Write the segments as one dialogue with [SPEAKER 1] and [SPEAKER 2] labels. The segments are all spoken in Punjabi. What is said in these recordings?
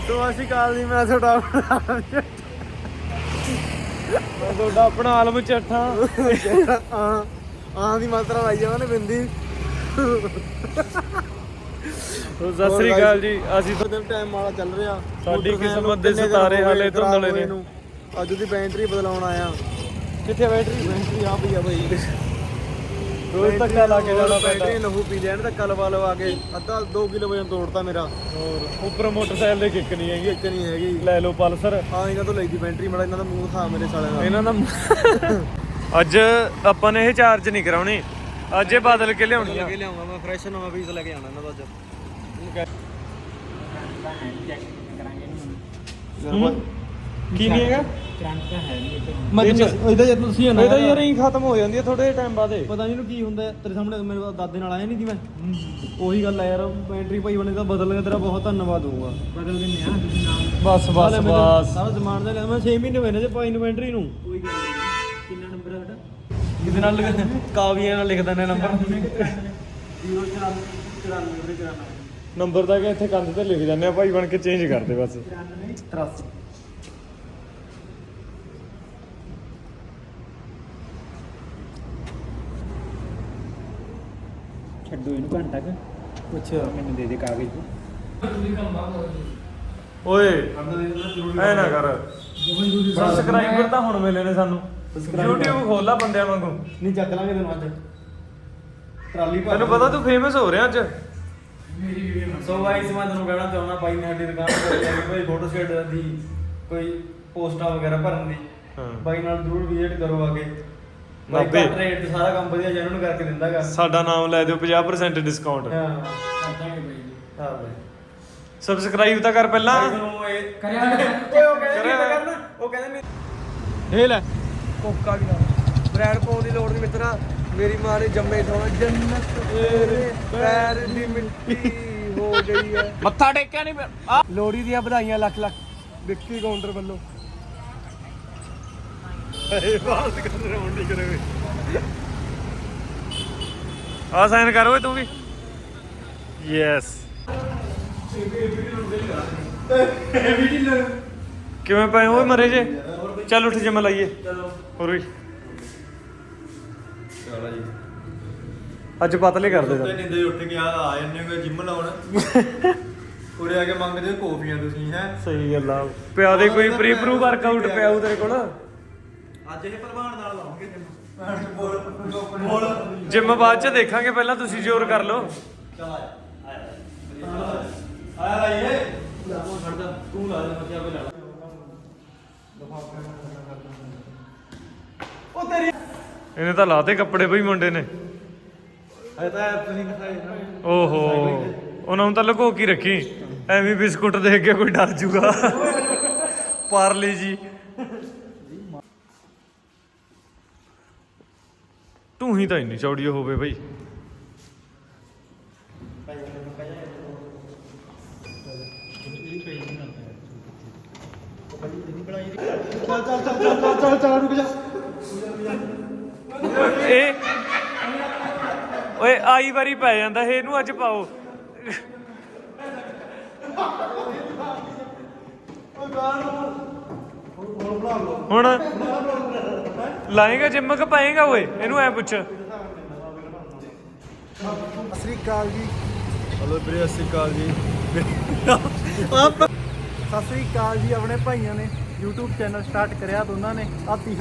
[SPEAKER 1] ਸੋ ਅਸੀਂ ਕਾਲ ਦੀ ਮੈਂ ਤੁਹਾਡਾ
[SPEAKER 2] ਆਪਣਾ ਆਲਮ ਚੱਠਾ
[SPEAKER 1] ਆਂ ਦੀ ਮਾਤਰਾ ਲਾਈ ਜਾਵਾਂ ਨੇ ਬਿੰਦੀ।
[SPEAKER 2] ਸਤਿ ਸ੍ਰੀ ਅਕਾਲ ਜੀ। ਅਸੀਂ
[SPEAKER 1] ਟਾਈਮ ਵਾਲਾ ਚੱਲ ਰਿਹਾ,
[SPEAKER 2] ਸਾਡੀ ਕਿਸਮਤ ਦੇ ਸਿਤਾਰੇ ਹਾਲੇ ਧੁੰਦਲੇ ਨੇ।
[SPEAKER 1] ਅੱਜ ਉਹਦੀ ਬੈਟਰੀ ਬਦਲਾਉਣ ਆਇਆ।
[SPEAKER 2] ਕਿੱਥੇ ਬੈਟਰੀ
[SPEAKER 1] ਆ ਪਈ ਆ ਭਾਈ।
[SPEAKER 2] ਰੋਜ਼ ਧੱਕਾ ਲਾ ਕੇ ਜਾਣਾ ਪੈਂਦਾ।
[SPEAKER 1] ਬੈਟਰੀ ਲਹੂ ਪੀ ਲੈਣ ਧੱਕਾ ਲਵਾ ਕੇ ਅੱਧਾ 2 ਕਿਲੋ ਵਜਨ ਤੋੜਤਾ ਮੇਰਾ।
[SPEAKER 2] ਹੋਰ ਉੱਪਰ ਮੋਟਰਸਾਈਕਲ ਦੇ ਕਿੱਕ ਨਹੀਂ ਹੈਗੀ।
[SPEAKER 1] ਇੱਕ ਨਹੀਂ ਹੈਗੀ।
[SPEAKER 2] ਲੈ ਲਓ ਪਲਸਰ।
[SPEAKER 1] ਹਾਂ ਇਹਨਾਂ ਤੋਂ ਲਈ ਦੀ ਬੈਟਰੀ। ਮੜਾ ਇਹਨਾਂ ਦਾ ਮੂੰਹ ਖਾ ਮੇਰੇ ਸਾਲੇ ਦਾ।
[SPEAKER 2] ਇਹਨਾਂ ਦਾ ਅੱਜ ਆਪਾਂ ਨੇ ਇਹ ਚਾਰਜ ਨਹੀਂ ਕਰਾਉਣੀ, ਅੱਜ ਇਹ ਬਦਲ ਕੇ ਲਿਆਉਣੀ ਆ।
[SPEAKER 1] ਲਿਆਉਂਗਾ ਮੈਂ ਫਰੈਸ਼ ਨਵਾਂ ਪੀਸ ਲੈ ਕੇ ਆਉਣਾ ਇਹਨਾਂ ਦਾ ਅੱਜ।
[SPEAKER 2] ਕੀ ਨਹੀਂ ਹੈਗਾ
[SPEAKER 1] ਇਹਦਾ ਜਦ ਤੁਸੀਂ
[SPEAKER 2] ਇਹ ਤਾਂ ਯਾਰ ਹੀ ਖਤਮ ਹੋ ਜਾਂਦੀ ਹੈ ਥੋੜੇ ਟਾਈਮ ਬਾਅਦ।
[SPEAKER 1] ਪਤਾ ਨਹੀਂ ਇਹਨੂੰ ਕੀ ਹੁੰਦਾ ਤੇਰੇ ਸਾਹਮਣੇ। ਮੇਰੇ ਦਾਦੇ ਨਾਲ ਆਇਆ ਨਹੀਂ ਸੀ ਮੈਂ। ਉਹੀ ਗੱਲ ਹੈ ਯਾਰ, ਬੈਟਰੀ ਭਾਈ ਬਣੇ ਤਾਂ ਬਦਲ ਗਿਆ। ਤੇਰਾ ਬਹੁਤ ਧੰਨਵਾਦ ਹੋਊਗਾ। ਬਦਲ ਦਿੰਦੇ ਆ ਤੁਸੀਂ ਨਾਲ।
[SPEAKER 2] ਬਸ
[SPEAKER 1] ਸਾਰਾ ਸਮਾਨ ਦਾ ਲਿਆ ਮੈਂ 6 ਮਹੀਨੇ ਹੋਏ ਨੇ ਜੇ ਪਾਈ ਨੂੰ ਬੈਟਰੀ ਨੂੰ। ਕੋਈ ਗੱਲ ਨਹੀਂ। ਕਿੰਨਾ ਨੰਬਰ ਹੈ ਤੁਹਾਡਾ?
[SPEAKER 2] ਕਿਹਦੇ ਨਾਲ ਕਾਵੀਆਂ ਨਾਲ ਲਿਖ ਦਿੰਦੇ ਨੰਬਰ।
[SPEAKER 1] 094
[SPEAKER 2] ਨੰਬਰ ਤਾਂ ਕਿ ਇੱਥੇ ਕੰਧ ਤੇ ਲਿਖ ਜਾਂਦੇ ਆ ਭਾਈ ਬਣ ਕੇ ਚੇਂਜ ਕਰਦੇ ਬਸ।
[SPEAKER 1] 83
[SPEAKER 3] ਛੱਡੋ ਇਹਨੂੰ ਘੰਟਾ ਕ ਕੁਛ ਮੈਨੂੰ ਦੇ ਦੇ ਕਾਗਜ਼।
[SPEAKER 2] ਓਏ ਐ ਨਾ ਕਰ। ਸਬਸਕ੍ਰਾਈਬਰ ਤਾਂ ਹੁਣ ਮਿਲੇ ਨੇ ਸਾਨੂੰ। YouTube ਖੋਲਾ ਬੰਦਿਆਂ ਵਾਂਗੂ।
[SPEAKER 1] ਨਹੀਂ ਚੱਕ ਲਾਂਗੇ ਤੈਨੂੰ ਅੱਜ ਟਰਾਲੀ ਭਰ।
[SPEAKER 2] ਤੈਨੂੰ ਪਤਾ ਤੂੰ ਫੇਮਸ ਹੋ ਰਿਹਾ ਅੱਜ।
[SPEAKER 1] ਸੋ ਗਾਇਸ ਮੈਂ ਤੁਹਾਨੂੰ ਕਹਿਣਾ ਚਾਹੁੰਦਾ ਬਾਈ ਨੇ ਸਾਡੀ ਦੁਕਾਨ ਤੇ ਜਾ ਕੇ ਕੋਈ ਫੋਟੋ ਸਟੇਟ ਦੀ ਕੋਈ ਪੋਸਟਾਂ ਵਗੈਰਾ ਭਰਨ ਦੀ ਬਾਈ ਨਾਲ ਜ਼ਰੂਰ ਵਿਜ਼ਿਟ ਕਰੋ ਆ ਕੇ। ਬਾਈ ਘੱਟ ਰੇਟ ਤੇ ਸਾਰਾ ਕੰਮ ਵਧੀਆ ਜੈਨੂਨ ਕਰਕੇ ਦਿੰਦਾਗਾ।
[SPEAKER 2] ਸਾਡਾ ਨਾਮ ਲੈ ਦਿਓ 50% ਡਿਸਕਾਊਂਟ।
[SPEAKER 1] ਹਾਂ
[SPEAKER 3] ਕਰਦਾਂਗੇ ਬਾਈ ਜੀ।
[SPEAKER 1] ਹਾਂ ਬਾਈ
[SPEAKER 2] ਸਬਸਕ੍ਰਾਈਬ ਤਾਂ ਕਰ ਪਹਿਲਾਂ।
[SPEAKER 1] ਤੁਹਾਨੂੰ ਇਹ
[SPEAKER 3] ਕਰਿਆ
[SPEAKER 1] ਕਰਨਾ। ਉਹ ਕਹਿੰਦੇ ਨਹੀਂ
[SPEAKER 2] ਇਹ ਲੈ
[SPEAKER 1] ਕੋਕਾ ਵੀ ਲਾ ਬ੍ਰੈਂਡ ਪਾਉਣ ਦੀ ਲੋੜ ਨਹੀਂ ਮਿੱਤਰਾ। ਮੇਰੀ ਮਾਂ ਨੇ ਜੰਮੇ ਸੋਣਾ ਜੰਨਤ ਤੇਰੇ ਪੈਰ ਦੀ ਮਿੱਟੀ ਹੋ ਗਈ ਹੈ।
[SPEAKER 2] ਮੱਥਾ ਟੇਕਿਆ ਨਹੀਂ ਆ।
[SPEAKER 1] ਲੋਹੜੀ ਦੀਆਂ ਵਧਾਈਆਂ ਲੱਖ ਲੱਖ ਵਿੱਕੀ ਕਾਊਂਟਰ ਵੱਲੋਂ।
[SPEAKER 2] ਬਾਤ ਕਰ ਰੌਣ ਨਹੀਂ ਕਰੇ। ਆ ਸਾਈਨ ਕਰ ਓਏ ਤੂੰ ਵੀ। ਯੈਸ। ਕਿਵੇਂ ਪਏ ਓਏ ਮਰੇ ਜੇ। ਚੱਲ ਉੱਠ ਜਿਮ ਲਾਈਏ। ਹੋਰ ਵੀ
[SPEAKER 1] ਚਲੋ ਜੀ
[SPEAKER 2] ਅੱਜ ਪਤਲੇ ਕਰਦੇ
[SPEAKER 1] ਤੇ ਨਿੰਦੇ ਉੱਠ ਕੇ ਆ ਜਾਂਦੇ ਹੋ ਜਿਮ ਲਾਉਣ। ਉਰੇ ਆ ਕੇ ਮੰਗਦੇ ਹੋ ਕੌਫੀਆਂ ਤੁਸੀਂ ਹੈ।
[SPEAKER 2] ਸਹੀ ਗੱਲ ਆ। ਪਿਆ ਦੇ ਕੋਈ ਪ੍ਰੀ ਪ੍ਰੂਵ ਵਰਕਆਊਟ ਪਿਆ ਉਹ ਤੇਰੇ ਕੋਲ।
[SPEAKER 1] ਅੱਜ ਇਹ ਭਲਵਾਨ ਨਾਲ ਲਾਉਂਗੇ ਜਿਮ। ਬੋਲ
[SPEAKER 2] ਜਿਮ ਬਾਅਦ ਚ ਦੇਖਾਂਗੇ, ਪਹਿਲਾਂ ਤੁਸੀਂ ਜ਼ੋਰ ਕਰ ਲਓ।
[SPEAKER 1] ਚਲ ਆਇਆ ਲਾਈਏ ਖੜਦਾ ਤੂੰ ਲਾ ਦੇ ਮੱਥਿਆ ਕੋਈ ਲਾ ਲਾ। ਉਹ ਤੇਰੀ
[SPEAKER 2] ਇਹਨੇ ਤਾਂ ਲਾਤੇ ਕੱਪੜੇ ਬਈ ਮੁੰਡੇ ਨੇ।
[SPEAKER 1] ਅਜੇ ਤਾਂ ਤੁਸੀਂ ਦਿਖਾਏ ਨਾ।
[SPEAKER 2] ਓਹੋ ਉਹਨਾਂ ਨੂੰ ਤਾਂ ਲੁਕੋ ਕੇ ਰੱਖੀ। ਐਵੇਂ ਬਿਸਕੁਟ ਦੇਖ ਕੇ ਕੋਈ ਡਰ ਜੂਗਾ। ਪਾਰਲੇ ਜੀ ਤੂੰ ਹੀ ਤਾਂ ਇੰਨੀ ਚੌੜੀ ਹੋਵੇ ਬਈ।
[SPEAKER 1] ਚੱਲ ਰੁਕ ਜਾ।
[SPEAKER 2] ਇਹ ਓਏ ਆਈ ਵਾਰੀ ਪੈ ਜਾਂਦਾ ਇਹ। ਇਹਨੂੰ ਅੱਜ ਪਾਓ। ਹੁਣ ਲਾਏਗਾ ਜਿੰਮ ਕਿ ਪਾਏਗਾ ਓਏ। ਇਹਨੂੰ ਐ ਪੁੱਛ।
[SPEAKER 1] ਸਤਿ ਸ੍ਰੀ ਅਕਾਲ ਜੀ। ਹਲੋ ਵੀਰੇ ਸਤਿ ਸ੍ਰੀ ਅਕਾਲ ਜੀ। ਸਤਿ ਸ੍ਰੀ ਅਕਾਲ ਜੀ। ਆਪਣੇ ਭਾਈਆਂ ਨੇ YouTube ਚੈਨਲ ਸਟਾਰਟ ਕਰਿਆ ਦੋਨਾਂ ਨੇ। ਸਤਿ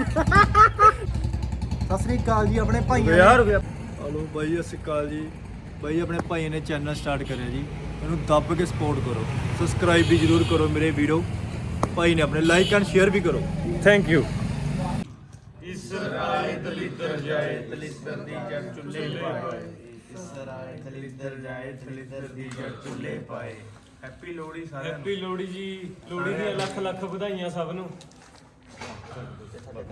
[SPEAKER 1] ਸ੍ਰੀ ਅਕਾਲ ਜੀ। ਆਪਣੇ ਭਾਈਆਂ ਨੇ ਹਲੋ ਬਾਈ ਸਤਿ ਸ੍ਰੀ ਅਕਾਲ ਜੀ। ਬਾਈ ਆਪਣੇ ਭਾਈਆਂ ਨੇ ਚੈਨਲ ਸਟਾਰਟ ਕਰਿਆ ਜੀ। ਇਹਨੂੰ ਦੱਬ ਕੇ ਸਪੋਰਟ ਕਰੋ। ਸਬਸਕ੍ਰਾਈਬ ਵੀ ਜ਼ਰੂਰ ਕਰੋ ਮੇਰੇ ਵੀਡੀਓ। ਭਾਈ ਨੇ ਆਪਣੇ ਲਾਈਕ ਐਂਡ ਸ਼ੇਅਰ ਵੀ ਕਰੋ।
[SPEAKER 2] Thank you.
[SPEAKER 1] ਇਸਰਾਏ ਦਲਿੱਦਰ ਜਾਏ ਦਲਿੱਦਰ ਦੀ ਜੜ ਚੁੱਲ੍ਹੇ ਪਾਏ। ਇਸਰਾਏ ਦਲਿੱਦਰ ਜਾਏ ਦਲਿੱਦਰ ਦੀ ਜੜ ਚੁੱਲ੍ਹੇ ਪਾਏ। ਹੈਪੀ ਲੋਹੜੀ ਸਾਰਿਆਂ ਨੂੰ।
[SPEAKER 2] ਹੈਪੀ ਲੋਹੜੀ ਜੀ। ਲੋਹੜੀ ਦੀਆਂ ਲੱਖ ਲੱਖ ਵਧਾਈਆਂ ਸਭ ਨੂੰ।